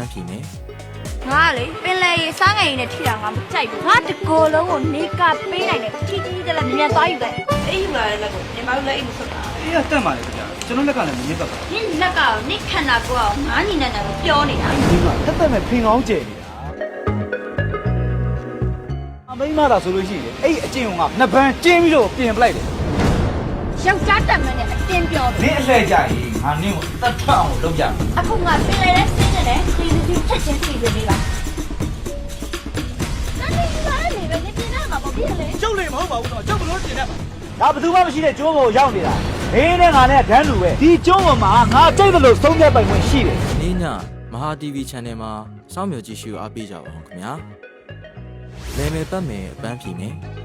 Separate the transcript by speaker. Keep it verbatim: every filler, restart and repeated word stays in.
Speaker 1: န်းဖြေမယ်
Speaker 2: ငါလေပင်လေရေစားငယ်ရင်နဲ့ထိတာငါမကြိုက်ဘူးငါတကိုယ်လုံးကိုနေကပေးနိုင်တယ်ချီချီတက်လက်မြန်သွားယူတယ်အေးယူလာတဲ့လက်ကိုနေမလို့လက်အိမ်မဆွတ်တာ
Speaker 3: အေးကတက်ပါလေခင်ဗျာကျွန်တော်လက်ကလည်းမမြင်တော့ပါ
Speaker 2: နင်းလက်ကနင်းခန္ဓာကိုယ်အောင်ငါညီနဲ့နဲ့ပြောနေတာ
Speaker 3: ဒီမှာတက်တက်မဲ့ဖင်ကောင်းကျယ်နေတာအမိမသာဆိုလို့ရှိရင်အဲ့အကျင့်ကနှစ်ပန်းကျင်းပြီးတော့ပြင်ပလိုက်တယ်
Speaker 2: ယောက်ျားတက်မနဲ့အတင်းပြော
Speaker 3: နင်းအလှည့်ကြရင်ငါနင်းကိုတတ်ထအောင်လုပ်ကြမယ်
Speaker 2: အခုငါပင်လေနဲ့ဆင်းနေတယ်စီစီချက်ချင်းစီစီလေးပါနားနေပါလေပဲနေပြင်တော့မှာပေါ့ပြည့်လေ
Speaker 3: ကျုပ်လည်းမဟုတ်ပါဘူးတော့ကျုပ်ဘလို့တင်နေမှာဒါဘယ်သူမှမရှိတဲ့ကျိုးပေါ်ရောက်နေတာမင်းနဲ့ငါနဲ့ဒန်းလူပဲဒီကျိုးပေါ်မှာငါကြိုက်တယ်လို့သုံးချက်ပိုင်ခွင့်ရှိတယ်
Speaker 1: နေ့ညမဟာ တီဗီ channel မှာစောင့်မျှော်ကြည့်ရှုအားပေးကြပါဦးခင်ဗျာလဲမယ်ပတ်မယ်အပန်းဖြေမယ်